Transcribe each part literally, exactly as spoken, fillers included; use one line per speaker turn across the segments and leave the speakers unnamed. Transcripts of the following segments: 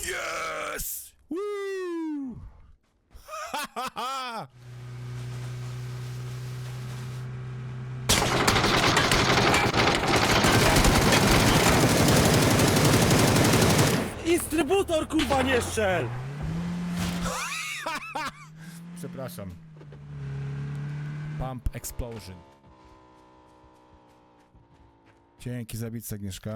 Yes! Woo! Ha ha ha!
Instrybutor, kurwa, nie strzel!
Przepraszam. Pump explosion. Dzięki za bicę, Agnieszka.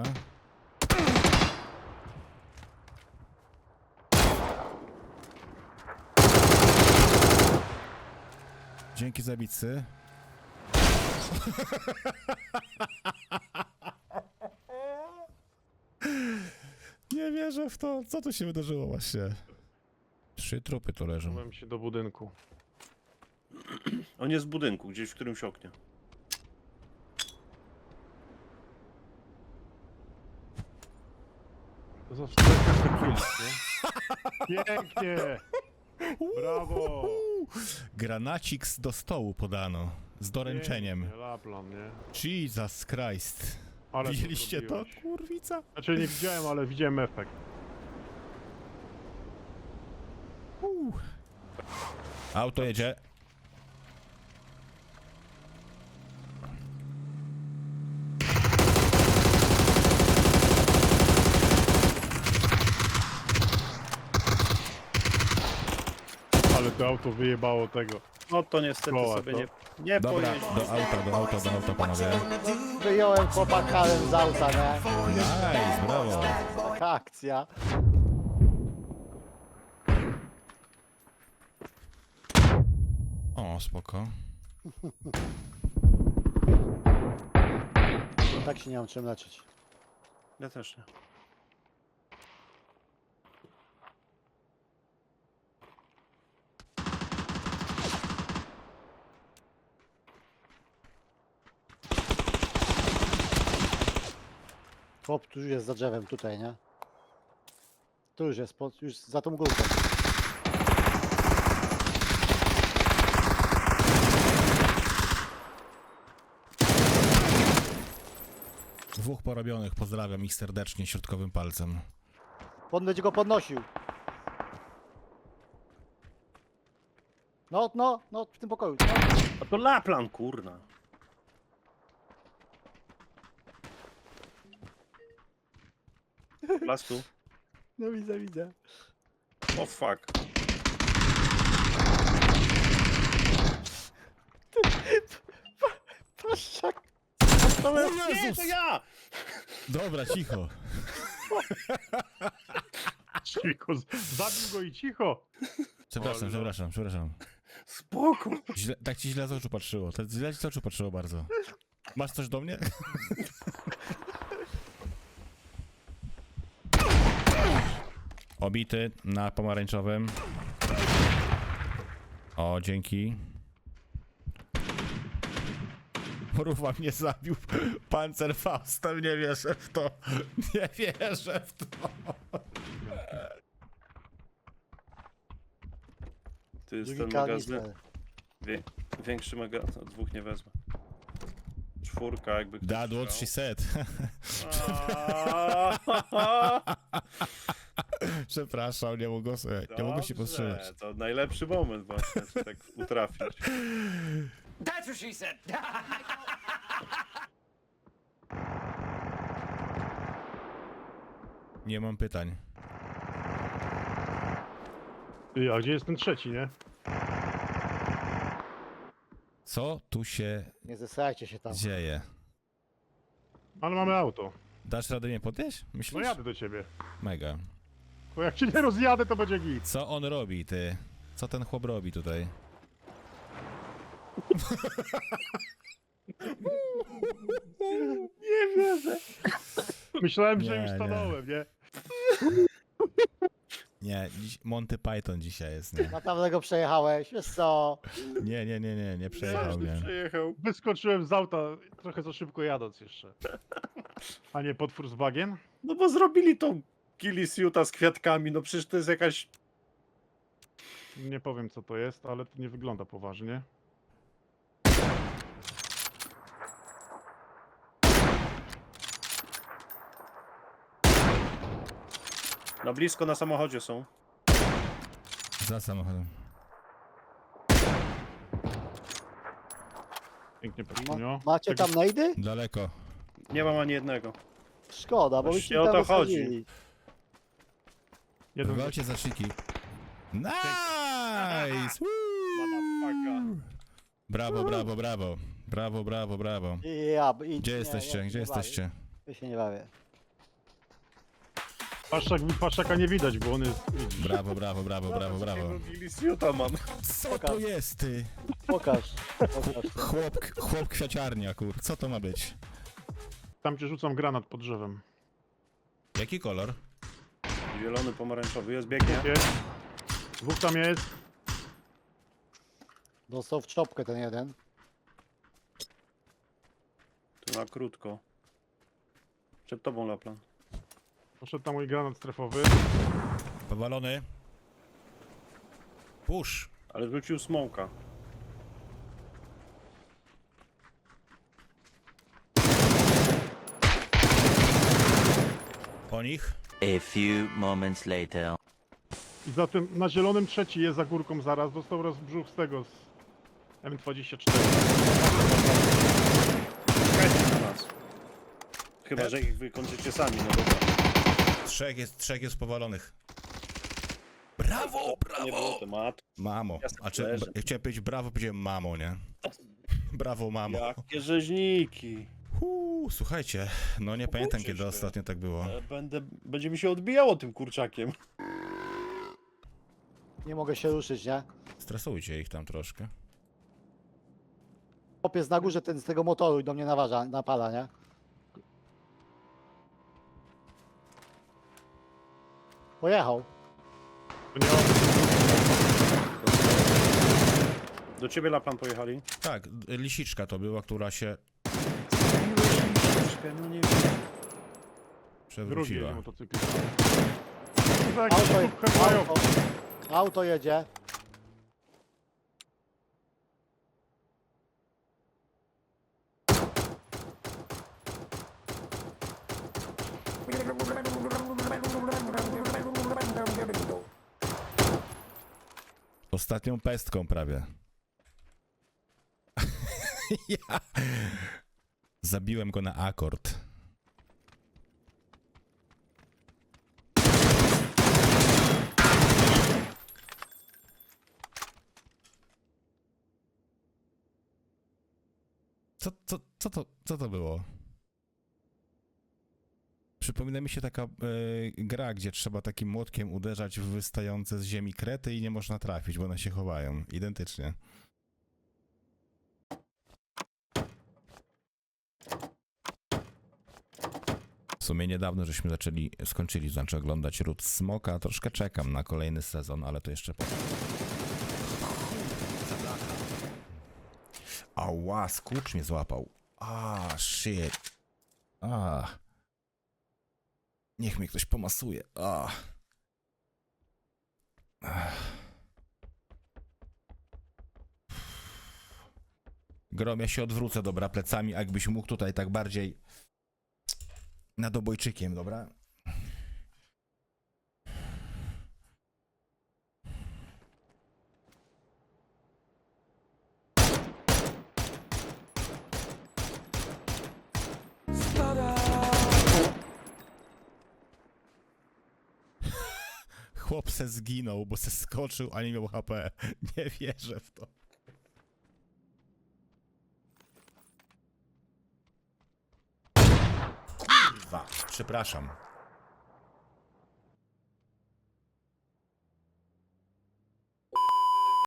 Dzięki za bicy. Nie wierzę w to. Co tu się wydarzyło właśnie? Trzy trupy tu leżą.
Byłem się do budynku.
On jest w budynku, gdzieś w którymś oknie.
To za wstępne kills, nie? Pięknie! Brawo!
Granacik do stołu podano. Z doręczeniem.
Pięknie, Laplan, nie?
Jesus Christ.
Ale
Widzieliście to,
zrobiłeś.
kurwica?
Znaczy nie widziałem, ale widziałem efekt.
Uh. Auto jedzie.
Ale to auto wyjebało tego.
No to niestety
Koła,
sobie
to?
nie, nie
Dobra,
pojeździ.
do auta, do auta, do auta, panowie.
Wyjąłem chłopaka z auta, nie?
Nice, brawo.
Taka akcja.
O, spoko.
Tak się nie mam czym leczyć.
Ja też nie.
Chłop tu już jest za drzewem tutaj, nie? Tu już jest, pod, już za tą górką.
Dwóch porobionych, pozdrawiam ich serdecznie środkowym palcem.
On będzie go podnosił. No, no, no, w tym pokoju. No.
A to Laplan, kurna. Lastu.
No widzę, widzę.
O fuck.
Paszczak.
O
Nie,
Jezus!
to ja!
Dobra, cicho.
Cicho, z- zabił go i cicho!
Przepraszam,
Olo.
przepraszam, przepraszam.
Spoko.
Źle, tak ci źle z oczu patrzyło. Tak źle ci z oczu patrzyło bardzo. Masz coś do mnie? Obity na pomarańczowym. O, dzięki. Mruwa mnie zabił Panzerfaustem, nie wierzę w to. Nie wierzę w to.
To jest ten
Drugi
magazyn.
kanister.
Wie, większy magazyn. No, dwóch nie wezmę. Czwórka jakby ktoś
That what she
chciał.
said. Przepraszam, nie mogę sobie, nie mogę się
Dobrze,
powstrzymać.
To najlepszy moment właśnie, żeby tak utrafić.
That's what she said.
Nie mam pytań.
Ty, a gdzie jest ten trzeci, nie?
Co tu się
Nie zesrajcie się tam.
dzieje?
Ale mamy auto.
Dasz radę mnie podnieść?
No
Myślisz?
jadę do ciebie.
Mega.
Bo jak cię nie rozjadę, to będzie git.
Co on robi, ty? Co ten chłop robi tutaj?
Nie wierzę.
Myślałem, że
Nie,
już
nie.
stanąłem, nie?
Nie, dziś Monty Python dzisiaj jest, nie?
Naprawdę go przejechałeś, wiesz co?
Nie, nie, nie, nie, nie przejechał
Każdy
mnie.
przyjechał.
Wyskoczyłem z auta, trochę za szybko jadąc jeszcze. A nie pod Volkswagen?
No bo zrobili tą Kilisiuta z kwiatkami, no przecież to jest jakaś...
Nie powiem co to jest, ale to nie wygląda poważnie.
Na blisko na samochodzie są.
Za samochodem.
Pięknie
Ma,
Peszkunio.
macie tam nejdy?
Daleko.
Nie mam ani jednego.
Szkoda, bo
Właśnie
byśmy
o
tam
to chodzi.
wysadzili.
Jeden
Walcie za szyki. Nice! Woo! Brawo, brawo, brawo. Brawo, brawo, brawo.
Ja, i,
Gdzie
nie,
jesteście?
ja się
Gdzie
nie
jesteście?
Bawię. Ja się nie bawię.
Paszczak, paszczaka nie widać, bo on jest... Widzisz.
Brawo, brawo, brawo, brawo, brawo.
Gilisiuta mam.
Co to jest, ty?
Pokaż. Pokaż.
Chłop, chłop kwiaciarnia, kur. Co to ma być?
Tam ci rzucam granat pod drzewem.
Jaki kolor?
Zielony, pomarańczowy. Jest, biegnie.
Jest. Dwóch tam jest.
Dostał w czopkę ten jeden.
Tu na krótko. Przed tobą, Laplan.
Poszedł tam mój granat strefowy.
Powalony. Push.
Ale wrócił smoka.
Po nich.
A few moments later.
I za tym, na zielonym trzeci jest za górką zaraz. Dostał rozbrzuch z tego, z M dwadzieścia cztery.
Czekajcie na nas. Chyba, że ich wykończycie sami, no dobra.
Trzech jest, trzech jest powalonych. Brawo,
Nie było
brawo!
tematu.
Mamo.
Ja sobie
A czy,
leżę.
ja chciałem powiedzieć brawo, powiedziałem mamo, nie? Brawo, mamo.
Jakie rzeźniki.
Huu, słuchajcie, no nie pamiętam
Uczysz
kiedy
się.
ostatnio tak było.
E, Będę, będzie mi się odbijało tym kurczakiem.
Nie mogę się ruszyć, nie?
Stresujcie ich tam troszkę.
Chłopiec na górze ten z tego motoru i do mnie naważa, napala, nie? Pojechał.
To nie on.
Do ciebie, Laplan, pojechali.
Tak, lisiczka to była, która się
No nie
Drugi
przewróciła.
jedzie motocyklista. Chyba jakiś
Auto,
kup headmają.
auto, auto jedzie.
Ostatnią pestką prawie. Ja zabiłem go na akord. Co, co, co, to, co to było? Przypomina mi się taka e, gra, gdzie trzeba takim młotkiem uderzać w wystające z ziemi krety i nie można trafić, bo one się chowają. Identycznie. W sumie niedawno żeśmy zaczęli, skończyli, znaczy oglądać Ród Smoka. Troszkę czekam na kolejny sezon, ale to jeszcze po... Ała, skurcz mnie złapał. Ah, shit. Ah. Niech mnie ktoś pomasuje. Ah. Ah. Grom, ja się odwrócę, dobra, plecami, a jakbyś mógł tutaj tak bardziej nad obojczykiem, dobra? Chłop se zginął, bo se skoczył, a nie miał H P. Nie wierzę w to. Kurwa, przepraszam.